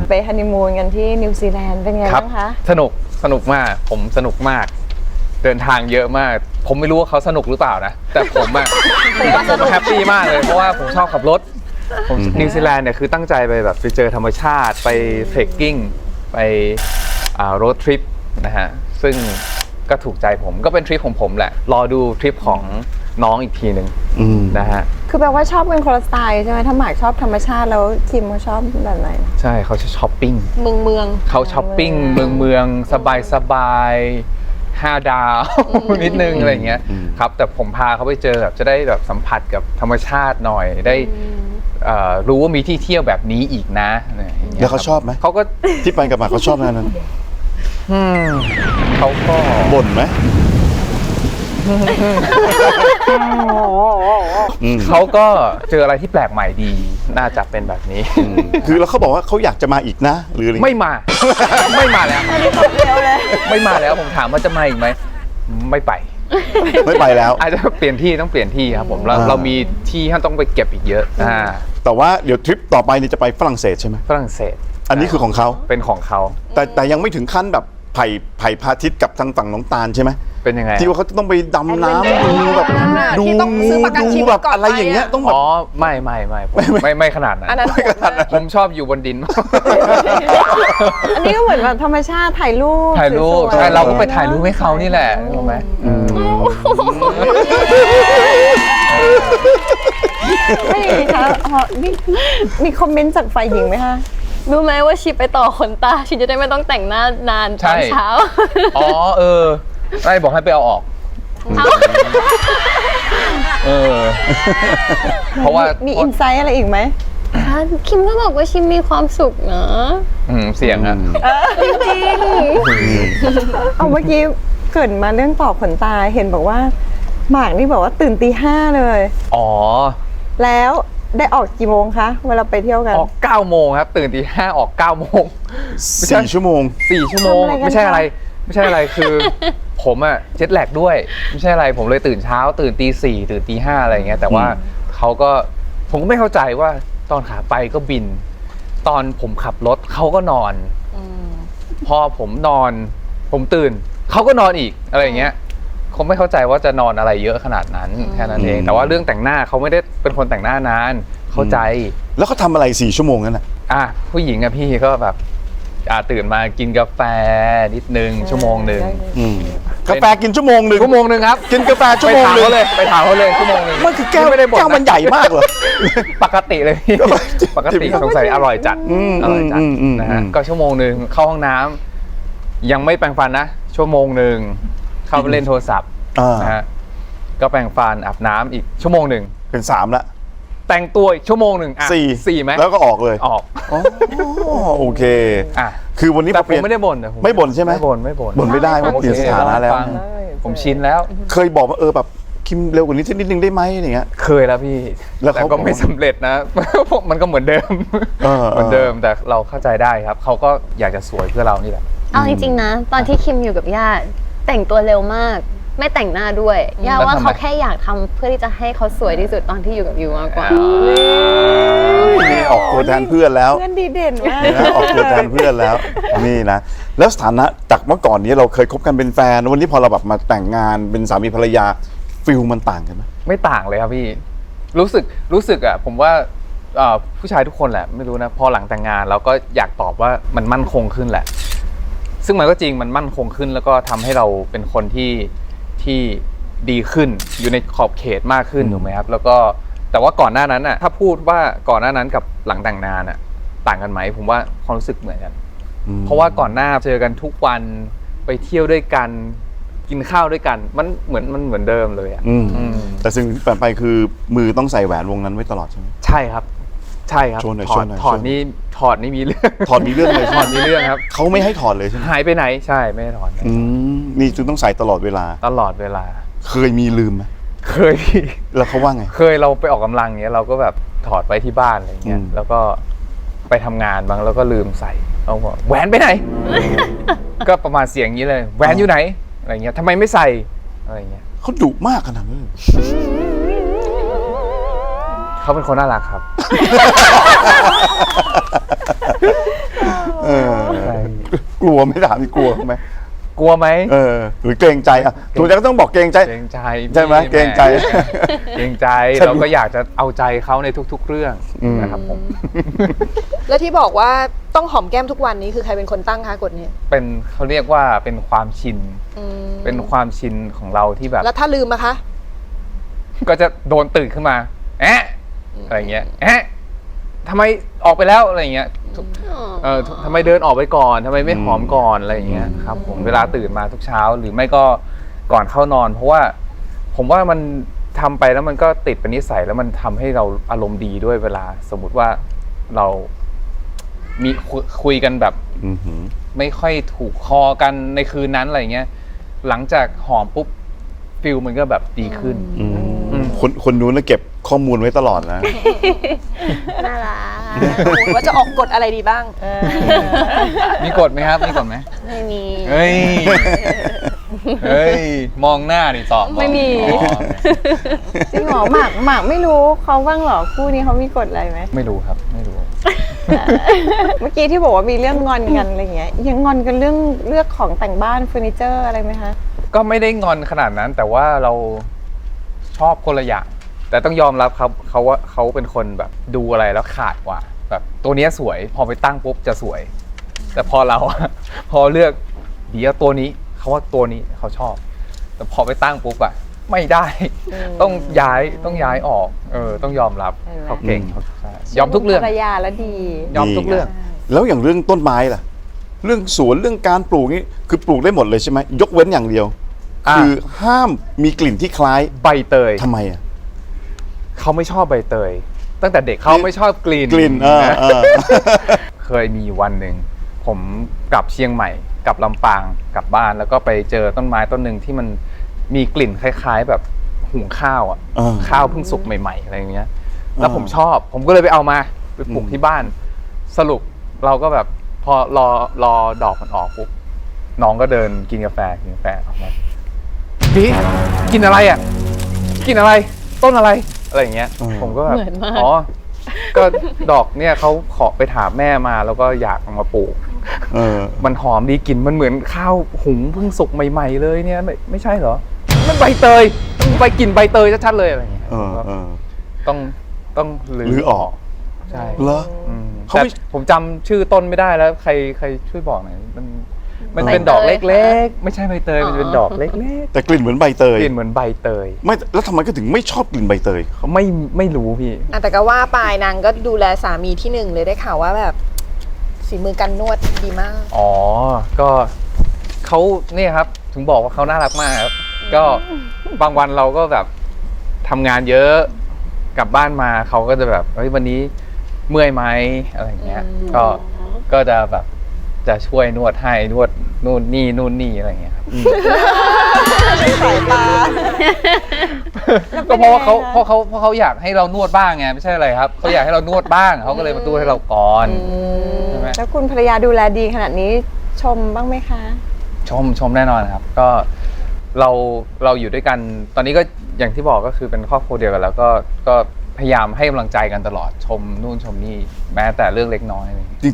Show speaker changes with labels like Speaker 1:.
Speaker 1: ไปฮันนีมูนกันที่นิวซีแลนด์เป็นไงบ้างคะ
Speaker 2: สนุกมากผมสนุกมากเดินทางเยอะมากผมไม่รู้ว่าเขาสนุกหรือเปล่านะแต่ผมแฮปปี้มากเลยเพราะว่าผมชอบขับรถนิวซีแลนด์เนี่ยคือตั้งใจไปแบบไปเจอธรรมชาติไปเทรคกิ้งไปโรดทริปนะฮะซึ่งก็ถูกใจผมก็เป็นทริปของผมแหละรอดูทริปของน้องอีกทีหนึ่งนะฮะ
Speaker 1: คือแปลว่าชอบเป็นคนละสไตล์ใช่ไหมถ้าหมากชอบธรรมชาติแล้วคิมเขาชอบแบบไหน
Speaker 2: ใช่เขาจะช้อปปิ้ง
Speaker 3: เมือง
Speaker 2: เขาช้อปปิ้งเมืองสบาย5 ดาวนิดนึงอะไรอย่างเงี้ยครับแต่ผมพาเขาไปเจอแบบจะได้แบบสัมผัสกับธรรมชาติหน่อยได้รู้ว่ามีที่เที่ยวแบบนี้อีกนะ
Speaker 4: แล้วเขาชอบไหม
Speaker 2: เขาก็
Speaker 4: ที่ไปกับหมากเขาชอบนั้น
Speaker 2: เขาก็
Speaker 4: บ่นไหม
Speaker 2: เขาก็เจออะไรที่แปลกใหม่ดีน่าจะเป็นแบบนี้
Speaker 4: คือแล้วเขาบอกว่าเขาอยากจะมาอีกนะหรืออะไร
Speaker 2: ไม่มาแล้วไม่มาแล้วผมถามว่าจะมาอีกไหมไม่ไปแล้วอาจจะเปลี่ยนที่ต้องเปลี่ยนที่ครับผมเรามีที่ที่ต้องไปเก็บอีกเยอะ
Speaker 4: แต่ว่าเดี๋ยวทริปต่อไปนี่จะไปฝรั่งเศสใช่ไหม
Speaker 2: ฝรั่งเศส
Speaker 4: อันนี้คือของเขา
Speaker 2: เป็นของเขา
Speaker 4: แต่ยังไม่ถึงขั้นแบบไผ่พาทิตย์กับทางฝั่งน้องตาลใช่ไหม
Speaker 2: เป็นยังไง
Speaker 4: ที่ว่าเขาต้องไปดำน้ำดูแบบดูแบบอะไรอย่างเงี้ยต้องแบบ
Speaker 2: อ๋อไม่ขนาดนั้นผมชอบอยู่บนดิน
Speaker 1: อันนี้ก็เหมือนแบบธรรมชาติถ่ายรูป
Speaker 2: ใช่เราก็ไปถ่ายรูปให้เขานี่แหละถูกไหม
Speaker 1: ไม่ดีคะมีคอมเมนต์จากฝ่ายหญิงไหมคะ
Speaker 3: รู้ไหมว่าชิปไปต่อขนตาชิปจะได้ไม่ต้องแต่งหน้านานตอนเช้า
Speaker 2: ได้บอกให้ไปเอาออกเพราะว่า
Speaker 1: มีอินไซต์อะไรอีกไหม
Speaker 3: คิมก็บอกว่าชิมมีความสุขนะ
Speaker 2: เสียงอะ
Speaker 3: จริง
Speaker 1: เอาเมื่อกี้เกิดมาเรื่องต่อขนตาเห็นบอกว่าหมากนี่บอกว่าตื่นตี 5เลยแล้วได้ออกกี่โมงคะเวลาไปเที่ยวกัน
Speaker 2: ออก9 โมงครับตื่นตี 5ออก9 โมง
Speaker 4: 4 ชั่วโมง
Speaker 2: ไม่ใช่อะไรคือผมอะเจ็ตแลกด้วยไม่ใช่อะไรผมเลยตื่นเช้าตื่นตี 4ตื่นตี 5อะไรอย่างเงี้ยแต่ว่าผมก็ไม่เข้าใจว่าตอนขาไปก็บินตอนผมขับรถเขาก็นอนพอผมนอนผมตื่นเขาก็นอนอีกอะไรอย่างเงี้ยคงไม่เข้าใจว่าจะนอนอะไรเยอะขนาดนั้นแค่นั้นเองแต่ว่าเรื่องแต่งหน้าเขาไม่ได้เป็นคนแต่งหน้านานเข้าใจ
Speaker 4: แล้วเขาทำอะไร4 ชั่วโมงนั่นน่ะ
Speaker 2: ผู้หญิงอะพี่ก็แบบตื่นมากินกาแฟนิดนึงชั่วโมงนึง
Speaker 4: กาแฟกินชั่วโมงนึง
Speaker 2: ครับ
Speaker 4: กินกาแฟชั่วโมงนึง
Speaker 2: ไปถามเขาเลยชั่วโมงนึง
Speaker 4: มันคือแก้วมันใหญ่มากเหรอ
Speaker 2: ปกติเลยปกติสงสัยอร่อยจัดนะฮะก็ชั่วโมงนึงเข้าห้องน้ำยังไม่แปรงฟันนะชั่วโมงนึงเข้าไปเล่นโทรศัพท์นะฮะก็แปรงฟันอาบน้ำอีกชั่วโมงนึง
Speaker 4: เป็น3ละ
Speaker 2: แต่งตัวอีกชั่วโมงนึง4ไหม
Speaker 4: แล้วก็ออกเลยโอเคคือวันนี้
Speaker 2: แต่ผมไม่ได้บ่น
Speaker 4: ไม่บ่นใช่ไหม
Speaker 2: บ่น
Speaker 4: ไม่ได้เพราะเปลี่ยนสถานะแล้ว
Speaker 2: ผมชินแล้ว
Speaker 4: เคยบอกว่าแบบคิมเร็วกว่านี้นิดนึงได้ไหมอย่างเงี้ย
Speaker 2: เคยแล้วพี่แต่ก็ไม่สำเร็จนะมันก็เหมือนเดิมแต่เราเข้าใจได้ครับเขาก็อยากจะสวยเพื่อเรานี่แหละ
Speaker 3: เอาจริงๆนะตอนที่คิมอยู่กับย่าแต่งตัวเร็วมากไม่แต่งหน้าด้วยย่าว่าเขาแค่อยากทำเพื่อที่จะให้เขาสวยที่สุดตอนที่อยู่กับยูมากกว่า
Speaker 4: นี่ออกตัวแทนเพื่อนแล้ว
Speaker 1: เพื่อนดีเด่นมาก
Speaker 4: ออกตัวแทนเพื่อนแล้วนี่นะแล้วสถานะจากเมื่อก่อนนี้เราเคยคบกันเป็นแฟนวันนี้พอเราแบบมาแต่งงานเป็นสามีภรรยาฟิลมันต่างกันไหม
Speaker 2: ไม่ต่างเลยครับพี่รู้สึกอ่ะผมว่าผู้ชายทุกคนแหละไม่รู้นะพอหลังแต่งงานเราก็อยากตอบว่ามันมั่นคงขึ้นแหละซึ่งมันก็จริงมันมั่นคงขึ้นแล้วก็ทำให้เราเป็นคนที่ดีขึ้นอยู่ในขอบเขตมากขึ้นถูกไหมครับแล้วก็แต่ว่าก่อนหน้านั้นน่ะถ้าพูดว่าก่อนหน้านั้นกับหลังแต่งงานน่ะต่างกันไหมผมว่าความรู้สึกเหมือนกันเพราะว่าก่อนหน้าเจอกันทุกวันไปเที่ยวด้วยกันกินข้าวด้วยกันมันเหมือนเดิมเลยอ่ะ
Speaker 4: แต่สิ่งที่เปลี่ยนไปคือมือต้องใส่แหวนวงนั้นไว้ตลอดใช่ไหม
Speaker 2: ใช่ครับถอดนี่มีเรื่อง
Speaker 4: มีเรื่องเลย
Speaker 2: ถอดมีเรื่องครับ
Speaker 4: เขาไม่ให้ถอดเลยใช่ไหม
Speaker 2: หายไปไหนใช่ไม่ให้ถอด
Speaker 4: นี่จึงต้องใส่ตลอดเวลาเคยมีลืมไหม
Speaker 2: เคย
Speaker 4: แล้วเขาว่าไง
Speaker 2: เคยเราไปออกกำลังเงี้ยเราก็แบบถอดไว้ที่บ้านอะไรเงี้ยแล้วก็ไปทำงานบางแล้วก็ลืมใส่เขาบอกแหวนไปไหนก็ประมาณเสียงนี้เลยแหวนอยู่ไหนอะไรเงี้ยทำไมไม่ใส่อะไรเงี้ย
Speaker 4: เขาดุมากขนาดนั้น
Speaker 2: เขาเป็นคนน่ารักครับ
Speaker 4: ลัวไหม่ถามนี่กลัวไหม
Speaker 2: กลัวไหม
Speaker 4: หรือเกรงใจอ่ะถูกใจก็ต้องบอกเกรงใจ
Speaker 2: เกรงใจ
Speaker 4: ใช่ไหม
Speaker 2: พี่
Speaker 4: เกรงใจ
Speaker 2: เกรงใจ
Speaker 4: ฉัน
Speaker 2: เราก็อยากจะเอาใจเขาในทุก ๆ เรื่องนะครับผม
Speaker 5: แล้วที่บอกว่าต้องหอมแก้มทุกวันนี้คือใครเป็นคนตั้งคะกฎนี้
Speaker 2: เป็นเขาเรียกว่าเป็นความชิน
Speaker 5: อืม
Speaker 2: เป็นความชินของเราที่แบบ
Speaker 5: แล้วถ้าลืมอะคะ
Speaker 2: ก็จะโดนตื่นขึ้นมาอะไรเงี้ยทำไมออกไปแล้วอะไรเงี้ยทำไมเดินออกไปก่อนทำไมไม่หอมก่อนอะไรเงี้ยครับผมเวลาตื่นมาทุกเช้าหรือไม่ก็ก่อนเข้านอน เพราะว่าผมว่ามันทำไปแล้วมันก็ติดเป็นนิสัยแล้วมันทำให้เราอารมณ์ดีด้วยเวลาสมมุติว่าเรามีคุยกันแบบ
Speaker 4: อือหือ
Speaker 2: ไม่ค่อยถูกคอกันในคืนนั้นอะไรเงี้ยหลังจากหอมปุ๊บฟิลมันก็แบบดีขึ้น
Speaker 4: คนนู้นนะเก็บข้อมูลไว้ตลอดนะ
Speaker 3: น่ารัก
Speaker 5: ว่าจะออกกฎอะไรดีบ้าง
Speaker 2: มีกฎไหมครับมีกฎไหม
Speaker 3: ไม่มี
Speaker 2: เฮ้ยมองหน้าดิตอบ
Speaker 3: ไม่มี
Speaker 1: จริงเหรอหมากไม่รู้เขาบ้างเหรอคู่นี้เขามีกฎอะไรไหม
Speaker 2: ไม่รู้ครับไม่รู้
Speaker 1: เมื่อกี้ที่บอกว่ามีเรื่องงอนกันอะไรเงี้ยยังงอนกันเรื่องเลือกของแต่งบ้านเฟอร์นิเจอร์อะไรไหมคะ
Speaker 2: ก็ไม่ได้งอนขนาดนั้น แต่ว่าเราชอบคนละอย่างแต่ต้องยอมรับครับเขาว่าเขาเป็นคนแบบดูอะไรแล้วขาดกว่า แบบตัวเนี้ยสวยพอไปตั้งปุ๊บจะสวย แต่พอเรา พอเลือกเดี๋ยวตัวนี้เขาว่าตัวนี้เขาชอบ แต่พอไปตั้งปุ๊บอะไม่ได้ ต้องย้ายออกต้องยอมรับ
Speaker 1: เห็นไหม
Speaker 2: เขาเก่งเขาใช่ยอมทุกเรื่อง
Speaker 1: ภรรยาแล้วดี
Speaker 2: ยอมทุกเรื่อง
Speaker 4: แล้วอย่างเรื่องต้นไม้ล่ะ เรื่องสวนเรื่องการปลูกนี่คือปลูกได้หมดเลยใช่ไหมยกเว้นอย่างเดียว คือห้ามมีกลิ่นที่คล้าย
Speaker 2: ใบเตย
Speaker 4: ทำไมอ่ะ
Speaker 2: เขาไม่ชอบใบเตย ตั้งแต่เด็กเขาไม่ชอบกลิ่น
Speaker 4: กลิ่น
Speaker 2: เคยมีวันหนึ่งผมกลับเชียงใหม่กลับลำปางกลับบ้านแล้วก็ไปเจอต้นไม้ต้นหนึ่งที่มันมีกลิ่นคล้ายๆ แบบหุงข้าวอ่ะ ข้าวเพิ่งสุกใหม่ๆอะไรอย่างเงี้ย แล้วผมชอบผมก็เลยไปเอามาไปปลูกที่บ้าน สรุปเราก็แบบพอรอดอกมันออกปุ๊บน้องก็เดินกินกาแฟออกมาพี่กินอะไรอ่ะกินอะไรต้นอะไรอะไรอย่างเงี้ย ผมก็แบบ
Speaker 3: เหมือนมาก
Speaker 2: อ๋อก็ดอกเนี่ยเขาขอไปถามแม่มาแล้วก็อยากเอามาปลูก มันหอมดีกลิ่นมันเหมือนข้าวหุงเพิ่งสุกใหม่ๆเลยเนี่ยไม่ใช่เหรอมันใบเตยใบกลิ่นใบเตยชัดๆเลยอะไรอย่างเงี้ยต้อง
Speaker 4: รื้อออก
Speaker 2: ใช่
Speaker 4: เหรอ เขา
Speaker 2: แต่
Speaker 4: ไม่
Speaker 2: ผมจำชื่อต้นไม่ได้แล้วใครช่วยบอกหน่อยมันเป็นดอกเล็กๆไม่ใช่ใบเตยมันเป็นดอกเล็ก
Speaker 4: แต่กลิ่นเหมือนใบเต
Speaker 2: ๆ
Speaker 4: ย
Speaker 2: กลิ่นเหมือนใบเตย
Speaker 4: ไม่แล้วทำไมก็ถึงไม่ชอบกลิ่นใบเตย
Speaker 2: เขาไม่รู้พี่
Speaker 5: แต่ก็ว่าปลายนางก็ดูแลสามีที่หนึ่งเลยได้ข่าวว่าแบบฝีมือการนวดดีมาก
Speaker 2: อ๋อ ก็เขาเนี่ยครับ ถึงบอกว่าเขาน่ารักมากครับ ก็บางวันเราก็แบบทำงานเยอะกลับบ้านมาเขาก็จะแบบเฮ้ยวันนี้เมื่อยไหมอะไรอย่างเงี้ย ก็จะแบบจะช่วยนวดให้นวดนู่นนี่อะไรอย่างเงี้ยครับ
Speaker 1: สายตา
Speaker 2: ก็เพราะว่าเขาอยากให้เรานวดบ้างไงไม่ใช่อะไรครับเขาอยากให้เรานวดบ้างเขาก็เลยมานวดให้เราก่อนใช่ไหม
Speaker 1: แล้วคุณภรรยาดูแลดีขนาดนี้ชมบ้างไหมคะ
Speaker 2: ชมแน่นอนครับก็เราอยู่ด้วยกันตอนนี้ก็อย่างที่บอกก็คือเป็นครอบครัวเดียวกันแล้วก็พยายามให้กำลังใจกันตลอดชมนู่นชมนี่แม้แต่เรื่องเล็กน้อยอะไรอย่างเงี้ย